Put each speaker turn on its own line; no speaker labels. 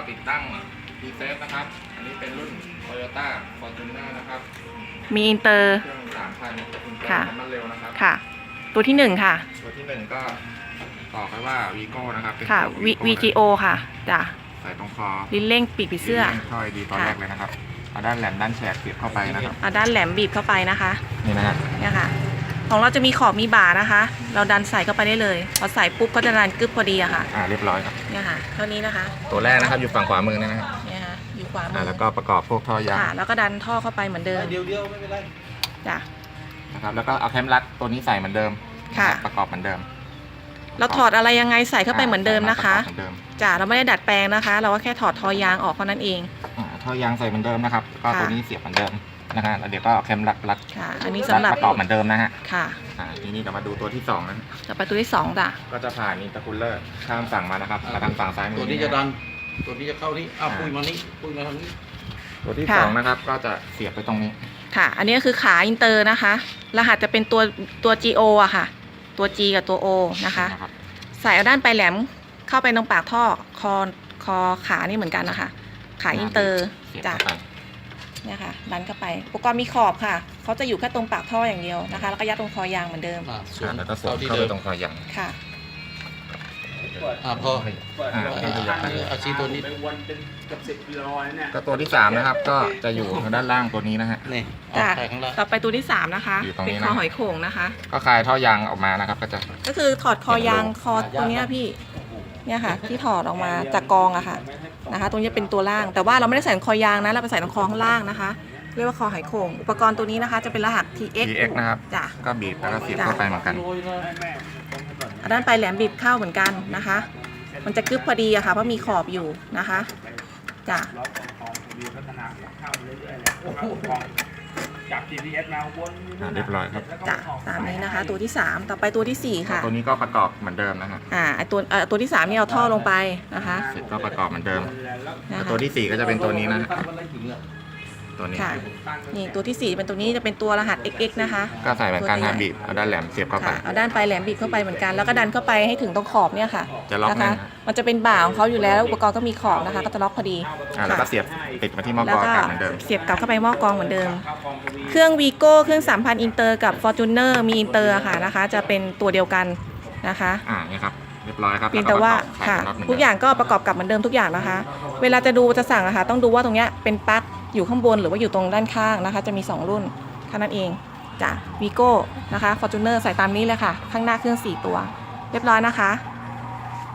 ติดตั้งดีเซฟนะครับอันนี้เป็นรุ่น Toyota Fortuner นะครับ
มีอินเตอร์
เครื่อง3,000
ค่ะ
น้ำมันเร็วนะครับ
ค่ะตัวที่1ค่ะ
ตัวที่1ก็บอกไว้ว่า Vigo นะครับ
ค่ะ VGO ค่ะจ้ะ
ใส่ตรงคอ
ลิ้นเร่งปีกผีเสื้อ
ช่อยดีตอนแรกเลยนะครับเอาด้านแหลมด้านแฉกเสียบเข้าไปนะครับ
เอาด้านแหลมบีบเข้าไปนะคะ
นี่นะฮะ
เนี่ยค่ะของเราจะมีขอบมีบ่านะคะ เราดันใส่เข้าไปได้เลยพอใส่ปุ๊บก็จะดันกึบพอดีอะค่ะ
เรียบร้อยครับ
เนี่ยค่ะเท่านี้นะคะ
ตัวแรกนะครับอยู่ฝั่งขวามือนะฮะ
เนี่ยค่ะอยู่ขวามือ
แล้วก็ประกอบพวกท่อยาง
แล้วก็ดันท่อเข้าไปเหมือนเดิม
เดียวไม่เป็นไร
จ้ะ
นะครับแล้วก็เอาแคมรัดตัวนี้ใส่เหมือนเดิม
ค่ะ
ประกอบเหมือนเดิม
เราถอดอะไรยังไงใส่เข้าไปเหมือนเดิมนะคะจ้ะเราไม่ได้ดัดแปลงนะคะ เราก็แค่ถอดท่อยางออกเท่านั้นเอง
ท่อยางใส่เหมือนเดิมนะครับก็ตัวนี้เสียบเหมือนเดิมนะฮะแล้วเดี๋ยวก็เอาแคมรัด
ค่ะอันนี้สำหรับ
ประกอบเหมือนเดิมนะฮะ
ค่ะ
ทีนี้เดี๋ยวมาดูตัวที่2นะ
ต่อไปตัวที่2จ้ะ
ก็จะผ่านอินเตอร์คูลเลอร์ข้ามฝั่งมานะครับมาทางฝั่งซ้ายมือ
ตัวนี้จะดันตัวนี้จะเข้านี่ปุ้ยมานี่ปุ้ยมาทางนี้
ตัวที่2นะครับก็จะเสียบไปตรงนี้
ค่ะอันนี้ก็คือขาอินเตอร์นะคะรหัสจะเป็นตัว GO อะค่ะตัว G กับตัว O นะคะใส่เอาด้านปลายแหลมเข้าไปตรงปากท่อคอขานี่เหมือนกันนะคะขาอินเตอร์จ้ะเนี่ยค่ะดันเข้าไปอุปกรณ์มีขอบค่ะเขาจะอยู่แค่ตรงปากท่ออย่างเดียวนะคะแล้วก็ยัดตรงคอยางเหมือนเดิม
แล้วก็สวมเข้าไปตรงคอยาง
ค่ะ
พออาชีตัวนี้
ก็ตัวที่3นะครับก็จะอยู่ทางด้านล่างตัวนี้นะฮะ
นี่
จ้ะต่อไปตัวที่3นะคะเป็นคอหอยโข่งนะคะ
ก็คลายท่อยางออกมานะครับ
ก็คือถอดคอยางคอตัวนี้พี่เนี่ยค่ะที่ถอดออกมาจากกองอะค่ะนะคะตรงนี้เป็นตัวล่างแต่ว่าเราไม่ได้ใส่คอยางนะเราไปใส่ตรงคอข้างล่างนะคะเรียกว่าคอหอยโข่งอุปกรณ์ตัวนี้นะคะจะเป็นรหัส TX
นะครับ
จ้ะ
ก็บีบแล้วก็เสียบเข้าไปเหมือนกัน
ด้านปลายแหลมบีบเข้าเหมือนกันนะคะมันจะกึบพอดีอะค่ะเพราะมีขอบอยู่นะคะจ้ะ
จาก GPS มาวนเรียบร้อยครับ
จ้ะตามนี้นะคะตัวที่3ต่อไปตัวที่4ค่ะ
ตัวนี้ก็ประกอบเหมือนเดิมนะฮะ
ตัวที่3นี่เอาท่อลงไปนะคะ
เสร็จก็ประกอบเหมือนเดิมตัวที่4ก็จะเป็นตัวนี้นะตัวนี้
นี่ตัวที่4เป็นตัวนี้จะเป็นตัวรหัส XX นะคะ
ก็ใส่เหมือนกันนะบีบเอาด้านแหลมเสียบเข้าไป
เอาด้านปลายแหลมบีบเข้าไปเหมือนกันแล้วก็ดันเข้าไปให้ถึงตรงขอบเนี่ยค่ะ
จะล็อก
นะคะมันจะเป็นบ่าของเขาอยู่แล้วอุปกรณ์ก็มีขอบนะคะก็จะล็อกพอดี
แล้วก็เสียบติดมาที่หม้อกรองเหมือนเดิม
เสียบกลับเข้าไปหม้อกรองเหมือนเดิมเครื่อง Vigo เครื่อง3,000อินเตอร์กับ Fortuner มีอินเตอร์ค่ะนะคะจะเป็นตัวเดียวกันนะคะ
นี่ครับเรียบร้อยครับ
เพียงแต่ว่าค่ะทุกอย่างก็ประกอบกับเหมือนเดิมทุกอย่างนะคะเวลาจะดูจะสั่งนะคะต้องดูว่าตรงเนี้ยเป็นปลั๊กอยู่ข้างบนหรือว่าอยู่ตรงด้านข้างนะคะจะมี2รุ่นแค่นั้นเองจ้ะ Vigo นะคะ Fortuner ใส่ตามนี้เลยค่ะข้างหน้าเครื่อง4ตัวเรียบร้อยนะคะ